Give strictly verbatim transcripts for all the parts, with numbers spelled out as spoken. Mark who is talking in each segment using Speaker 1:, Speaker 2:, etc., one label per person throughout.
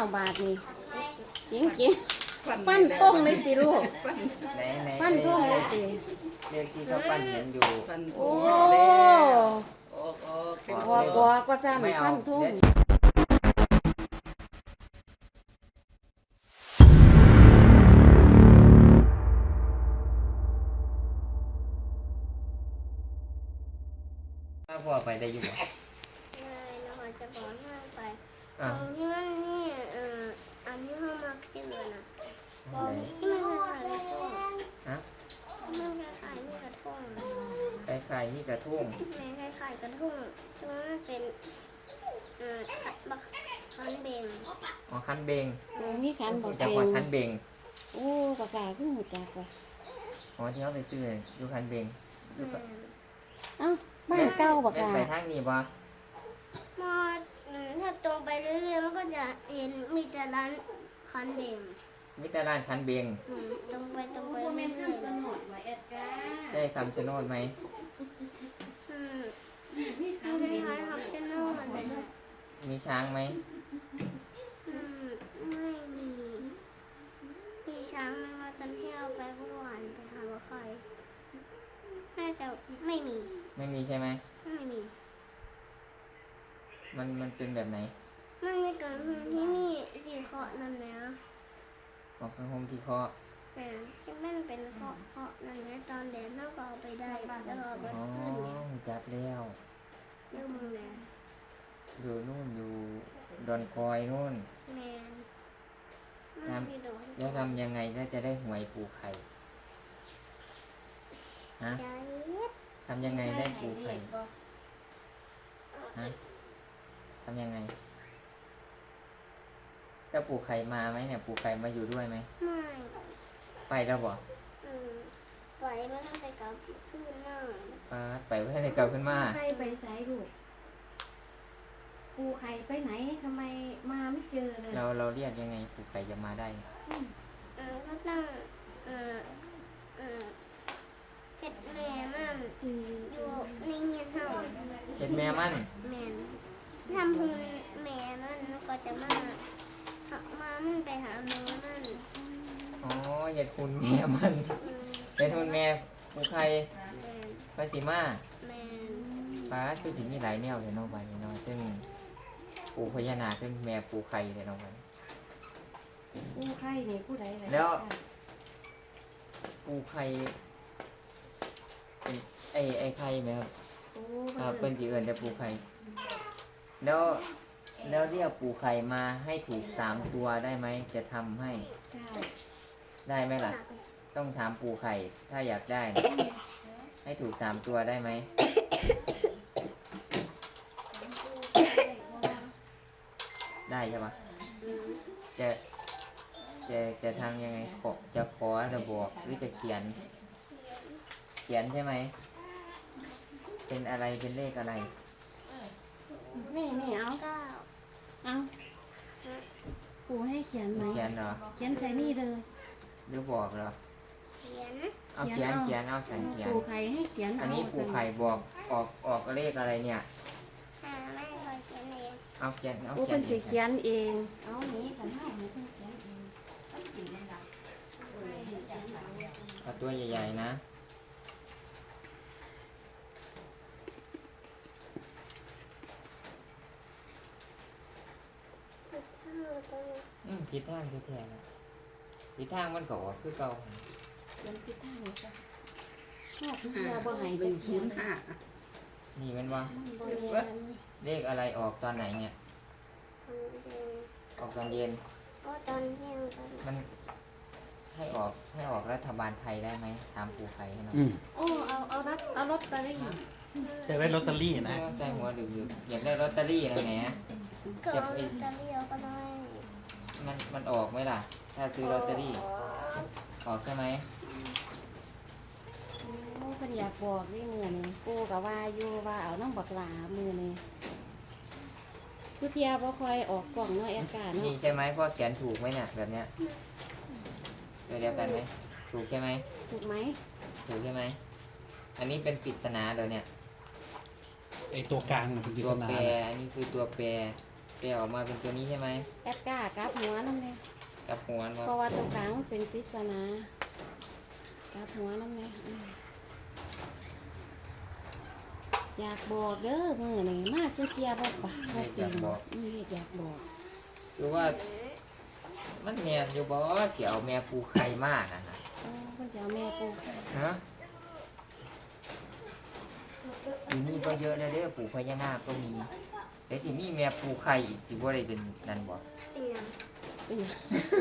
Speaker 1: บาทนี่จริงจริงฟันทงเลยติลูก
Speaker 2: ไหนไหน
Speaker 1: ฟันทงเลยติ
Speaker 2: เลขที่เขาปั้นเห็นอยู่
Speaker 1: โอ้
Speaker 3: ออกออกเป็น
Speaker 1: กว่ากว่าก็ซ้ำฟันทง
Speaker 2: ถ้าพ่อไปได้อยู่บ่
Speaker 4: เลยเราจะบอกห้างไป
Speaker 2: อ่ะ
Speaker 4: ตรงที่มันนี่เอ่ออันนี้ห้องมักชื่อนะ
Speaker 2: ไหน
Speaker 4: ที่มันคล้ายๆกระทง
Speaker 2: ฮะ
Speaker 4: มันคล้ายๆนี่กระทง
Speaker 2: ไปขายนี่กระทุ่ง
Speaker 4: แม่คล้ายๆกระทงที่มันเป็นเอ่อบักคันเบง
Speaker 2: อ๋อคันเบง
Speaker 1: โอ้มีขันบ่
Speaker 2: จัง
Speaker 1: เป็
Speaker 2: หวัด
Speaker 1: น
Speaker 2: คันเบง
Speaker 1: โอ้ปากกาเพิ่งหูจักว่ะ
Speaker 2: อ๋อที่เขาไปซื้ออยู่คันเบงอยู่
Speaker 4: แม่
Speaker 2: กับ
Speaker 1: เอ้าบ้านเก่าปาก
Speaker 2: แม่น
Speaker 1: กา
Speaker 2: ไปทางนี้บ่
Speaker 4: มออืมถ้าตรงไปเรื่อยๆมันก็จะเห็นมีแต่ร้านคันเบง
Speaker 2: มีแต่ร้านคันเบง
Speaker 4: อืมตรงไปตรงไป
Speaker 1: บ่แม่
Speaker 4: เรื่
Speaker 1: น
Speaker 4: อย
Speaker 1: คำสนดว่าแอดกา
Speaker 2: ใช่คำชะโนดไหม
Speaker 4: ๆอืม
Speaker 1: มี
Speaker 4: มั
Speaker 1: ขั
Speaker 4: น
Speaker 1: น
Speaker 4: ค
Speaker 1: เป็น
Speaker 4: ล้ายๆฮับเจนโน่เลย
Speaker 2: มีช้างไหม
Speaker 4: อืมไม่มี มีช้างมันมาตอนที่เราไปเมื่อวานไปหาว่าใครน่าจะไม่มี
Speaker 2: ไม่มีใช่ไหม
Speaker 4: ไม่มี
Speaker 2: มันมันเป็นแบบไหน
Speaker 4: ไม่มีเกิดพื้นที่มีสีเคาะนั่นนะ
Speaker 2: ออกข้างโฮมที่เคาะ
Speaker 4: แต่ที่มันเป็นเคาะเคาะนั่นนะตอนแดดเราก็เอาไปได้แล้วเราเอาไป
Speaker 2: อ๋อ
Speaker 4: ขึ้นเนี่ย
Speaker 2: จับแล้ว
Speaker 4: เรื่องมึงนะ
Speaker 2: อยู่นู่นอยู่ดอนคอยนู่น
Speaker 4: แมน
Speaker 2: ครับ
Speaker 4: ไม่โดน
Speaker 2: แล้วทำยังไงก็จะได้หวยปูไข่ฮะ
Speaker 4: ใจ
Speaker 2: ทำยังไงได้ปูไข่ฮะทำยังไงถ้าปูไข่มาไหมเนี่ยปูไข่มาอยู่ด้วยไหม
Speaker 4: ไม่
Speaker 2: ไปแล้วบ่
Speaker 4: อืมปล่อยมันต้องไปกับขึ้นหน้า
Speaker 2: ปาดไปไว้ให้เก่าขึ้นมา
Speaker 1: ใครไปไสลูกปูไข่ไปไหนทำไมมาไม่เจอเลย
Speaker 2: เราเราเรียกยังไงปูไข่จะมาได้
Speaker 4: เออก็ต้องเออเออเห็ดแม่มัน
Speaker 1: อืม
Speaker 4: อยู่ในเงียนเท่า
Speaker 2: เห็ดแม่มัน
Speaker 4: แม่นทำพื้นแม่มันแล้วก็จะมาเอามามันไปหาแม่มัน
Speaker 2: อ๋อเห็ดคุณแม่มัน
Speaker 4: อืม
Speaker 2: เห็ดคุณแม่ปูไข่
Speaker 4: แม่น
Speaker 2: ภาษีมา
Speaker 4: แม่น
Speaker 2: ปาดคือสิมีหลายแนวเลยเนาะไปเนาะซึ่งปูพญานาคซึ่งแม่ปูไข่เลยเนาะไป
Speaker 1: ปูไข่นี่ผู้ใดล่ะ
Speaker 2: แล้ว ปูไข่เป็นไอ้ไอ้ไข่ไหมครับ
Speaker 1: โอ้
Speaker 2: ครับ
Speaker 1: เพิ่
Speaker 2: เป็น
Speaker 1: น
Speaker 2: จีเอิญแต่ปูไข่แล้วแล้วเรียกปูไข่มาให้ถูกสามตัวได้ไหมจะทำให้
Speaker 1: จ้า
Speaker 2: ได้ไหมล่ะ ต้องถามปูไข่ถ้าอยากได้ ให้ถูกสามตัวได้ไหมได้ใช่ปะ
Speaker 4: อืม
Speaker 2: จะจะจะทำยังไงขอจะขอจะบอกหรือจะเขียน เขียนใช่ไหมเป็นอะไรเป็นเลขอะไร
Speaker 1: นี่นี่เอา
Speaker 4: เก้า
Speaker 1: เอาปูให้เขียนไหม
Speaker 2: เขียนเหรอ
Speaker 1: เขียนใส่นี่เลย
Speaker 2: หรือบอกเหรอ
Speaker 4: เขียน
Speaker 2: เอาเขียนเขียนเอาสันเขียน
Speaker 1: ปูไข่ให้เขียน
Speaker 2: อันนี้ปูไข่บอกออกออกเลขอะไรเนี่ย
Speaker 4: อ่าไม่เคยเขียนเอง
Speaker 2: เอาเขียนเอา
Speaker 1: ปู
Speaker 2: เขีย
Speaker 1: เพิ่
Speaker 2: น
Speaker 1: นสิเขียนเอง เอานี้กันเฮาให้เพิ่นเขียนเอง
Speaker 2: เอาตัวใหญ่ๆนะ อืมผิดทางผิดแท้นะผิดทางมันก็ออกคือเก่า
Speaker 1: เขียนผิดทางเลยจ้ะห้าสิบเดียวบ่ให้
Speaker 3: หนึ่
Speaker 1: จะ
Speaker 3: ง
Speaker 1: เขี
Speaker 3: ศู
Speaker 1: ยน
Speaker 3: นย์ห้า
Speaker 2: นี่มันว่า
Speaker 1: มันบ่แม่น
Speaker 2: เลขอะไรออกตอนไหนเนี่ย ออกตอนเย็น
Speaker 4: ก็ตอนเที่ยงตอน
Speaker 2: มันให้ออกให้ออกรัฐบาลไทยได้ไหมตามปูไข่ให้หน่อย
Speaker 3: อืม
Speaker 1: โอ้เอาเอารับเอาลอตเตอรี่
Speaker 3: จะได้ลอตเตอรี่นะ
Speaker 2: ใส่หัวดึกๆอยากได้ลอตเตอรี่นะแหม
Speaker 4: ก็เอาลอตเตอรี่เอาก็ได้
Speaker 2: มันมันออกไหมล่ะ ถ้าซื้อลอตเตอรี่ ออกใช่ไหม
Speaker 1: โอ้เพิ่นอยากบอกนี่มื้อนี้ปูก็ว่าอยู่ว่าเอาน้ำบักหลามื้อนี้ทุกเที่ยบ่ค่อยออกกล่องเนาะแอดการ
Speaker 2: นี่
Speaker 1: เนาะ
Speaker 2: ใช่ไหมพ่อเขียนถูกไหมเนี่ยแบบเนี้ยเดียวกันไหมถูกใช่ไหม
Speaker 1: ถูกไหม
Speaker 2: ถูกใช่ไหมอันนี้เป็นปริศนาเดี๋ยวเนี่ย
Speaker 3: ไอตัวกลางมันเป็นปริ
Speaker 2: ตั
Speaker 3: ศ
Speaker 2: ว
Speaker 3: นา
Speaker 2: แปร
Speaker 3: นะ
Speaker 2: อันนี้คือตัวแปรเดี๋ยวออกมาเป็นตัวนี้ใช่ไหม
Speaker 1: แอดกล้ากลับหัวนั่นเลย
Speaker 2: กับหัวมัน
Speaker 1: เพราะว่าตรงกลางมันเป็นปริศนากลับหัวนั่นเลยอืมอยากบอกเด้อมือนี่มาสุเกียบอกปะบอกจริงอืมอยากบอก
Speaker 2: คือว่ามันแมนอยู่บ่เกี่ยวแม่ปูไข่มากนะนะ
Speaker 1: โอ้เพิ่นสิเอาแม่ปูค่ะ
Speaker 2: ฮะอยู่นี่ก็เยอะแล้วเด้อปูพญานาคก็มีแต่ที่นี่แม่ปูไข่อีกสิบ่ได้เป็นนั่นบ่
Speaker 4: เป็นยัง
Speaker 1: เป็นหยัง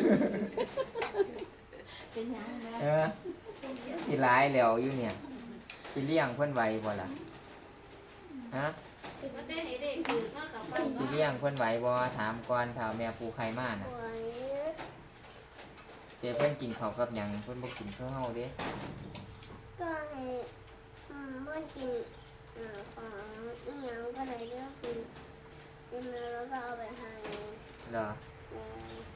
Speaker 1: เป็นหยังนะ
Speaker 2: เออสิร้ายแล้วอยู่เนี่ยสิเลี้ยงเพิ่นไว้บ่ล่ะฮะ
Speaker 1: มันได้ให้เด็กถือมากกับปั้น
Speaker 2: สิเลี้ยงเพิ่นไหวบ่ถามก่อนถ้าแม่ปูไข่มาน่ะ
Speaker 4: สวย
Speaker 2: เจเพิ่นกินข้าวกับหยังเพิ่นบ่กินข้าวเฮาเด้
Speaker 4: ก็ให้อืมเมื่อกินเอ่อของอีหยังก็เลยเลือกกินกินแล้วก็เอาไปให้
Speaker 2: เหรอ
Speaker 4: แม่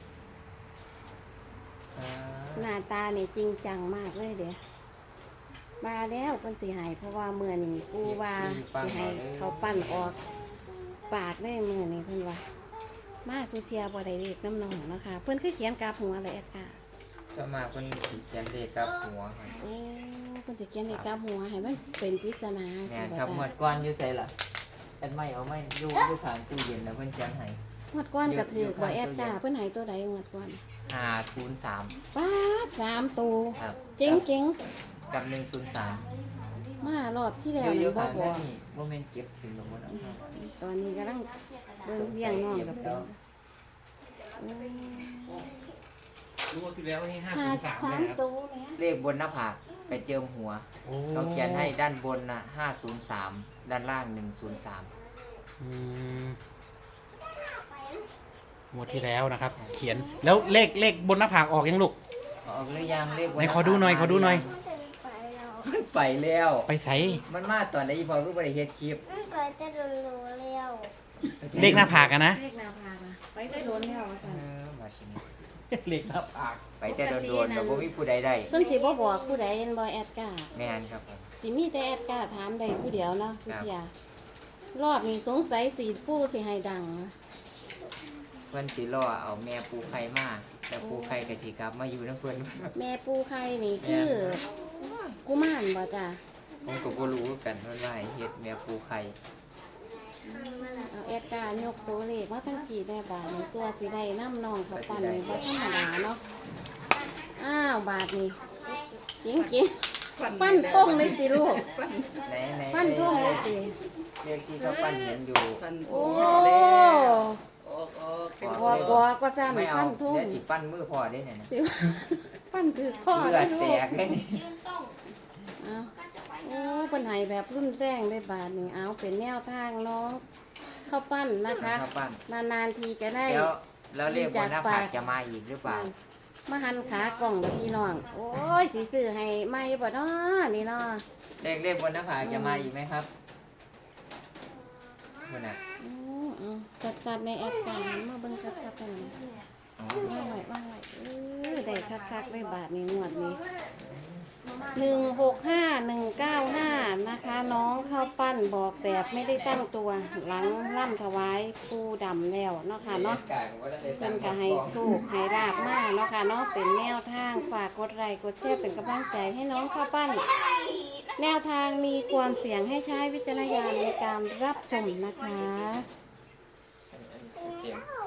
Speaker 2: เออ
Speaker 1: หน้าตานี่จริงจังมากเลยเด้มาแล้วเพิ่นสิให้เพราะว่ามื้อนี้กูว่าสิให้เขาปั้นออกปากได้มื้อนี้เพิ่นว่ามาสุเทียบ่ได้เรียกน้ำนองนะคะเพิ่นคือเขียนกลับหัวเลยแอดค่ะ
Speaker 2: ส่วนมากเพิ่นสิเขียนเลขกับหัวครับ
Speaker 1: โอ้เพิ่นสิเขียนให้กลับหัวให้มันเป็นปริศนา
Speaker 2: แม่
Speaker 1: สิ
Speaker 2: น
Speaker 1: บ่
Speaker 2: ครับ
Speaker 1: จ้ะ
Speaker 2: หมวดก่อนอยู่ไสล่ะอันไม่เอาไม่อยู่อยู่ข้างตู้เย็นแล้วเพิ่นเขียนให้
Speaker 1: งวดก้อนก็ถือบ่แอดค่ะเพิ่นให้ตัวใดงวดก้อน
Speaker 2: ห้าศูนย์สาม
Speaker 1: ป๊าดสามตัว
Speaker 2: ครับ
Speaker 1: เจ๋งเจ๋ง
Speaker 2: กับหนึ่งศูนย์สาม
Speaker 1: ๆมารอบที่แล้ว
Speaker 2: อยู่อ
Speaker 1: นี่
Speaker 2: ยู่
Speaker 1: บ่
Speaker 2: ข้าง
Speaker 1: บ
Speaker 2: นั่
Speaker 1: อน ก
Speaker 2: นี่บ่แม่นเก็บถึงลงบ่เนาะ
Speaker 1: ตอนนี้กำลังเบิ่งเลี้ยงน้องกับเป็นโอ้
Speaker 3: รู้ว่าที่แล้วนี่ห้า
Speaker 1: หา
Speaker 3: ศูนย์สาม
Speaker 1: สา
Speaker 3: เลย
Speaker 1: ม
Speaker 3: ครับ
Speaker 1: ตัวแหม่
Speaker 2: เลขบนหน้าผากไปเจิมหัว
Speaker 3: โอ้
Speaker 2: เขาเขียนให้ด้านบนน่ะห้าศูนย์สามด้านล่างหนึ่งศูนย์สาม
Speaker 3: อืมงวดที่แล้วนะครับ เขียนแล้วเลขเลขบนหน้าผากออกยังลูก
Speaker 2: ออกหรือยังเลขบน
Speaker 3: ไหนขอดูหน่อยขอดูหน่อย
Speaker 4: มันจะไปแล้ว
Speaker 2: มันไปแล้ว
Speaker 3: ไปใส่
Speaker 2: มันมาตอนไหนอีพอก็บ่ได้เฮ็ดคลิป
Speaker 4: มันไปจะโดนรู้แล้ว
Speaker 3: เลขหน้าผากอะนะ
Speaker 1: เลขหน้าผากอะไปได้โดนแล้วว่า
Speaker 2: เอ
Speaker 1: ซั่น
Speaker 2: อบัดนี้
Speaker 3: เลขหน้าผาก
Speaker 2: ไปแต่โดนๆแต่บ่มีผู้ใดได้
Speaker 1: เพิ่นสิบ่บอกผู้ใดเห็นบ่แอดกล้า
Speaker 2: แม่นครับผม
Speaker 1: สิมีแต่แอดกล้าถามได้ผู้เดียวเนาะสุเทียรอบนี้สงสัยสิปู่สิให้ดังนะ
Speaker 2: เพิ่นสิรอเอาแม่ปูไข่มาแล้วปูไข่ก็สิกลับมาอยู่นำเพิ่น
Speaker 1: แม่ปู่ไข่นี่คือกุมารบ่จ้ะ
Speaker 2: ผมก็บ่รู้คือกันว่าว่าให้เฮ็ดแม่ปูไข่
Speaker 1: เอาแอดกล้ายกตัวเลขมาทั้งกี่ได้บาทนี่ตัวสิได้น้ำน้องเขาปั้นนี่บ่ธรรมดาเนาะอ้าวบาทนี่จริงๆปั้นท่งเลยสิลูก
Speaker 2: ไหนไหน
Speaker 1: ปั้นท่งเลยสิ
Speaker 2: เลขที่เขาปั้นเห็นอยู่
Speaker 1: โอ้
Speaker 3: ออกออก
Speaker 1: กว่ากว่าก็ซ้ำ
Speaker 2: ไม่เอา
Speaker 1: ปั้นท่ง
Speaker 2: เดี๋ยวสิปั้นมือพ่อได้เนี่ยนะ
Speaker 1: สิปั้นถือข้อ
Speaker 2: เลื
Speaker 1: เล
Speaker 2: อย ด
Speaker 1: ลู
Speaker 2: แต
Speaker 1: ก
Speaker 2: กเลยนี่
Speaker 1: เอาโอ้ปัญหาแบบรุ่นแรงได้บาทนี่เอาเป็นแนวทางน้องข้าวปั้นนะคะ
Speaker 2: เขาปั้น
Speaker 1: นานๆทีจะได้
Speaker 2: แล้วแล้วเลขบนหน้าผากจะมาอีกหรือเปล่า
Speaker 1: มาหันขากล่องกับพี่น้อง โอ้ยสีซื้อให้ไม่บ่เนาะนี่เนาะ
Speaker 2: เลขเลขบนหน้าผากจะมาอีกไหมครับบนน่ะ
Speaker 1: อือเอาจัดสัตว์ในแอปการมาเบิ่งชัดๆกันนะ
Speaker 2: อ๋อ
Speaker 1: ว่างไว้ว่างไว้เออได้ชัดๆเลยบาทนี้งวดนี้หนึ่งหกห้าหนึ่งเก้าห้านะคะ น้องข้าวปั้นบอกแบบไม่ได้ตั้งตัวหลังล่ำถวายปูดำแล้วเนาะค่ะเนาะ เป็นก็ให้สู้ให้ราบมากเนาะค่ะเนาะเป็นแนวทางฝากกดไลค์กดแชร์เป็นกำลังใจให้น้องข้าวปั้น แนวทางมีความเสี่ยงให้ใช้วิจารณญาณในการรับชมนะคะ
Speaker 2: เตรียม